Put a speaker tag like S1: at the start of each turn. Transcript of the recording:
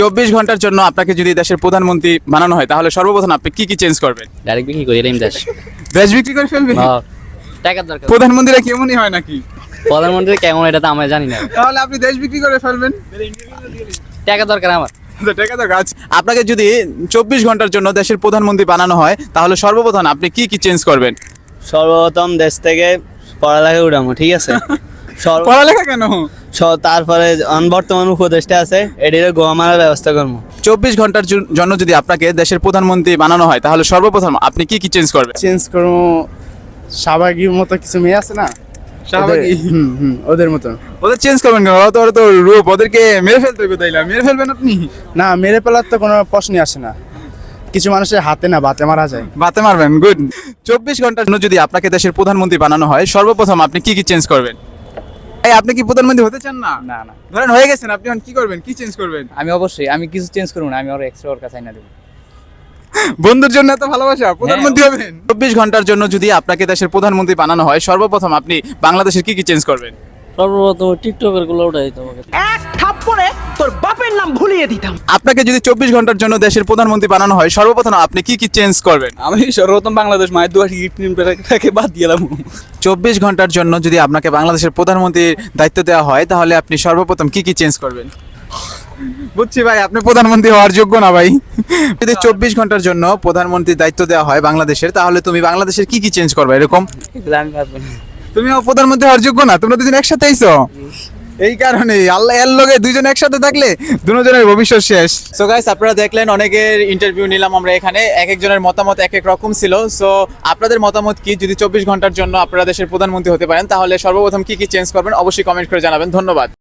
S1: 24 ঘন্টার জন্য আপনাকে যদি দেশের প্রধানমন্ত্রী বানানো হয় তাহলে সর্বপ্রথম আপনি কি কি চেঞ্জ করবেন?
S2: ডাইরেক্ট বিক্রি করি এরকম দেশ
S1: দেশ বিক্রি করে ফেলবেন?
S2: টাকার দরকার।
S1: প্রধানমন্ত্রীরা কেমনই হয় নাকি?
S2: প্রধানমন্ত্রী কেমন এটা তো আমরা জানি না।
S1: তাহলে আপনি দেশ বিক্রি করে ফেলবেন?
S2: টাকা দরকার আমার।
S1: টাকা তো গাছ। আপনাকে যদি 24 ঘন্টার জন্য দেশের প্রধানমন্ত্রী বানানো হয় তাহলে সর্বপ্রথম আপনি কি কি চেঞ্জ করবেন?
S3: সর্বপ্রথম দেশ থেকে পড়ালেখা উঠামো, ঠিক আছে?
S1: পড়ালেখা কেন?
S3: তারপরে বর্তমান উপদেষ্টা আছে এটির গোয়া মারার ব্যবস্থা করবো।
S1: 24 ঘন্টার জন্য যদি আপনাকে দেশের প্রধানমন্ত্রী বানানো হয় তাহলে সর্বপ্রথম আপনি কি কি চেঞ্জ করবেন?
S4: চেঞ্জ করবো শাহবাগীর মতো কিছু মেয়ে আছে না,
S1: শাহবাগী?
S4: ওদের মতো।
S1: ওদের চেঞ্জ করবেন কেন? ওরা তো রূপ, ওদেরকে মেরে ফেলতে হবে। তাইলে মেরে ফেলবেন আপনি?
S4: না, মেরে ফেলার তো কোনো প্রশ্নই আসে না। কিছু মানুষের হাতে না বাতে মারা যায়।
S1: বাতে মারবেন? গুড। 24 ঘন্টার জন্য যদি আপনাকে দেশের প্রধানমন্ত্রী বানানো হয় সর্বপ্রথম আপনি কি কি চেঞ্জ করবেন? এই আপনি কি প্রধানমন্ত্রী হতে চান না?
S2: না না,
S1: ধরেন হয়ে গেছেন, আপনি এখন কি করবেন? কি চেঞ্জ করবেন?
S2: আমি কিছু চেঞ্জ করবো না, আমি আরো এক্সট্রা ওর কাছে না দেবো।
S1: বন্ধুর জন্য এত ভালোবাসা, প্রধানমন্ত্রী হবেন? 24 ঘন্টার জন্য যদি আপনাকে দেশের প্রধানমন্ত্রী বানানো হয় সর্বপ্রথম আপনি বাংলাদেশের কি কি চেঞ্জ করবেন?
S2: সর্বপ্রথম টিকটকের গুলো উঠাই তোমাকে।
S5: এক থাপ্পড়ে তোর বাপের নাম ভুলিয়ে দিতাম।
S1: আপনাকে যদি 24 ঘন্টার জন্য দেশের প্রধানমন্ত্রী বানানো হয় সর্বপ্রথম আপনি কি কি চেঞ্জ করবেন?
S3: আমি সর্বপ্রথম বাংলাদেশ মায়ের দুয়ার টিকিট বাদ দিলাম।
S1: 24 ঘন্টার জন্য যদি আপনাকে বাংলাদেশের প্রধানমন্ত্রীর দায়িত্ব দেওয়া হয় তাহলে আপনি সর্বপ্রথম কি কি চেঞ্জ করবেন? বুঝছি ভাই, আপনি প্রধানমন্ত্রী হওয়ার যোগ্য না ভাই। যদি 24 ঘন্টার জন্য প্রধানমন্ত্রীর দায়িত্ব দেওয়া হয় বাংলাদেশের তাহলে তুমি বাংলাদেশের কি কি চেঞ্জ করবে? এরকম
S2: এগুলো আমি পারবো না।
S1: তুমিও প্রধানমন্ত্রী হওয়ার যোগ্য না? তোমরা দুজন একসাথে আইছো, এই কারণে আল্লাহ এর লগে দুইজন একসাথে থাকলে দুজনের ভবিষ্যৎ শেষ। সো গাইস, আপনারা দেখলেন অনেকের ইন্টারভিউ নিলাম আমরা এখানে, এক একজনের মতামত এক এক রকম ছিল। সো আপনাদের মতামত কি? যদি 24 ঘন্টার জন্য আপনারা দেশের প্রধানমন্ত্রী হতে পারেন তাহলে সর্বপ্রথম কি কি চেঞ্জ করবেন অবশ্যই কমেন্ট করে জানাবেন। ধন্যবাদ।